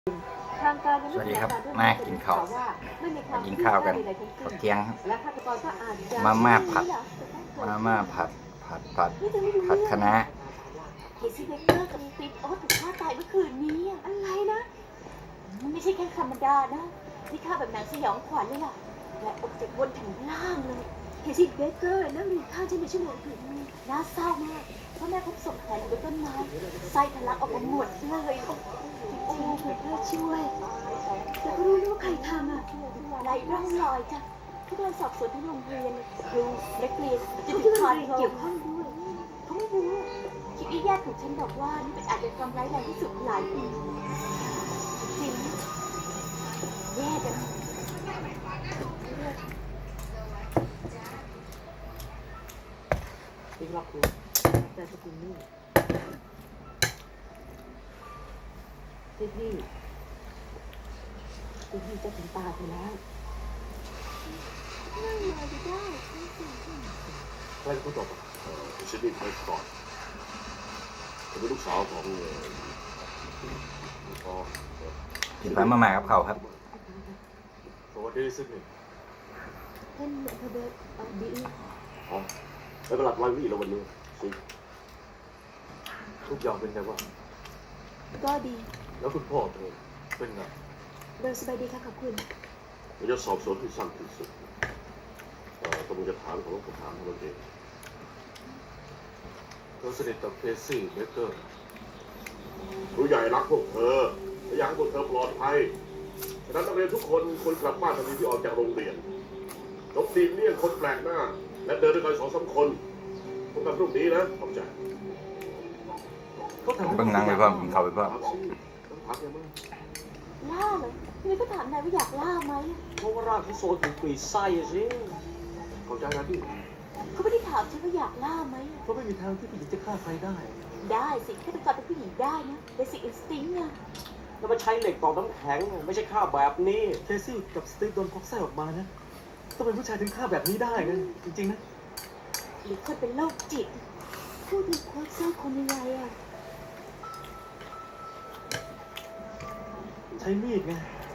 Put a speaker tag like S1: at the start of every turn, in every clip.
S1: สวัสดีครับมากินข้าวกินข้าวกันข้าวเที่ยงมาม่าผัดผัดคะน้า
S2: เคซี่เบเกอร์กับสตีฟโอ๊ตถูกฆ่าตายเมื่อคืนนี้อะไรนะมันไม่ใช่แค่ธรรมดานะนี่ฆ่าแบบหนังสยองขวัญเลยล่ะและออกจากบนถึงล่างเลยเคซี่เบเกอร์นั่งริมข้างฉันในชั่วโมงถึงน่าเศร้ามากเพราะแม่พบศพแขวนอยู่บนต้นไม้ไส้ทะลักออกมาหมดเลยโอ้เพื่อช่วยแต่ก็รู้ว่าใครทำไร้ร่องรอยจ้ะทุกการสอบสวนทั้งโรงเรียนครูนักเรียนจะถึงคอนเกี่ยวข้องด้วยเขาไม่รู้คิดว่าญาติของฉันบอกว่านี่เป็นอาชญากรรมร้ายแรงที่สุดหลายปีจริงแย่จัง
S3: ติ๊กล็อกคุณแต่สกุลนี่ติ๊กนี่จะถึงตาไปแล้ว
S2: นั่งรออยู่ได้
S4: ใครเป็นคนตอบชิดดี้ไปก่อนผมเป็นลูกสาวของพ่อ
S1: กินมาม่ากับข้าวครับ
S4: สวัสดีซิดนีย์
S2: ท่านพเดชดี
S4: อ๋อแล้วก็หลับไว้วี่แล้ววันนี้สิทุกอย่างเป็นไงบ้าง
S2: ก็ดี
S4: แล้วคุณพ่อเธอเป็นไง
S2: โดยสบายดีค่ะขอบคุณ
S4: เราจะสอบสวนที่สั้นที่สุดกำลังจะถามของผมถามเราเองเธอสนิทกับเคซี่เบเกอร์ผู้ใหญ่รักพวกเธอและอยากให้พวกเธอปลอดภัยฉะนั้นนักเรียนทุกคนควรกลับบ้านทันทีที่ออกจากโรงเรียนจงหลีกเลี่ยงคนแปลกหน้าและเดินด้วยกัน2-3 คนพบกันพรุ่งนี้นะขอบใจ
S1: เบิ่งหนังไปพร้อมกินข้าวไปพร้อม
S4: ถามสิต้องถามยังไง
S2: ล่าเลยทีนี้ก็ถามนายว่าอยากล่าไหม
S3: เพราะว่าร่างเขาโซนถึงปีไส้สิ
S4: เข้าใจนะพี่
S2: เขาไม่ได้ถามฉันว่าอยากล่าไหม
S3: เพราะไม่มีทางที่ผู้หญิงจะฆ่าใครได้
S2: ได้สิฆาตกรเป็นผู้หญิงได้นะเบสิกอินสติ้งอะ
S3: แล้วมาใช้เหล็กตอกน้ำแข็งไม่ใช่ฆ่าแบบนี้เคซี่กับสตีฟโดนควักไส้ออกมานะต้องเป็นผู้ชายถึงฆ่าแบบนี้ได้นะจริงๆนะ
S2: หรือคนเป็นโรคจิตพูดถึงควักไส้คนยังไงอะ
S3: ใช้มีดไง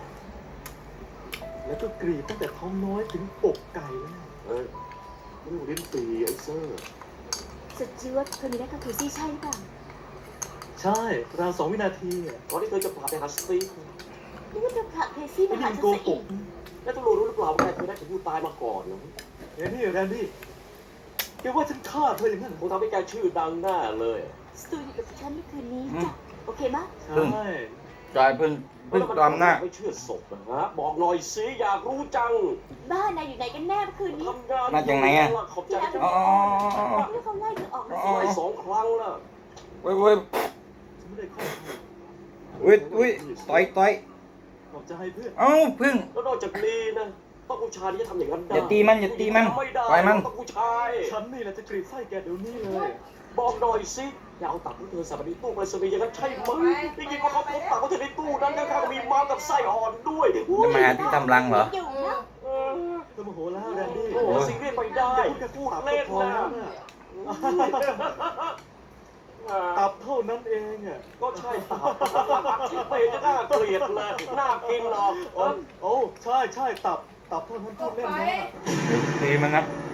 S3: แล้วก็กรีดตั้งแต่ท้องน้อยถึงอกไก่เลย
S4: เอ้ยไม่รู้ลิ้นปีไอ้เซอร์
S2: สจวตคนนี้นะกับเคซี่ใช่หรือเปล่า
S3: ใช่ราว2 วินาทีก่อนที่เธอจะพาไปหาสตีฟ
S2: นี่ก็จะพาเคซี่
S3: ไม่
S2: มา
S3: ได้
S2: หา
S3: เป็น
S2: ฉัน
S3: โก
S2: ซะ
S3: ห
S2: อี
S3: ก
S2: ก
S3: แล้วตำรวจรู้หรือเปล่าว่าใครเคยได้ถึงผู้ตายมาก่อนนะแรนดี้แกว่าฉันฆ่าเธออย่างนั้นคงทำให้แกชื่อดังแน่เลย
S2: สตูอยู่กับฉันเมื่อคืนนี้จ้ะโอเคมะ
S3: ใช่
S1: จอยเพิ่งตอมหน้า
S3: ไม่เชื่อศพนะฮะบอกหน่อยสิอยากรู้จัง
S2: บ้านนายอยู่ไหนกันแน่เมื่อคืนนี้
S3: ทำงาน
S1: มาจากไหนอะ
S3: ขอบใจจัง
S1: อ๋อ
S2: นี่เขาไล่เธอออกมา
S3: ไป
S2: สิ
S3: 2 ครั้งแล้ว
S1: เว้ย
S3: ฉันไม่ได้ฆ่าเธอ
S1: อุ้ยต่อย
S3: ขอบใจเพื่อน
S1: เอ้าพึ่ง
S3: แล้วนอกจากนี้นะต้องผู้ชายที่จะทำอย่างนั้นได้
S1: อย่าตีมันไม่ได้ ปล่อยมัน
S3: ต้องผู้ชายฉันนี่แหละจะกรีดไส้แกเดี๋ยวนี้เลย บอกหน่อยสิอย่าเอาตับของเธอใส่ไปในตู้ไปรษณีย์อย่างนั้นใช่ไหมได้ยินว่าเขาพบตับของเธอในตู้นั้นข้างๆมีม้ากับไส้อ่อนด้วย
S1: จะมาที่ทำรังเหรอ
S2: อยู่นะ
S3: เออเธอโมโหแล้วแรนดี้
S1: โอ้
S3: โอ้
S1: โห
S3: สิ่งเรียกไปได้พูดเล่นนะตับเท่านั้นเองอ่ะก็ใช่ตับไม่เห็นจะน่าเกลียดเลยน่ากินหรอกโอ้ใช่ตับเท่านั้นพูดเล่นนะ
S1: ตีมันนะ
S3: เ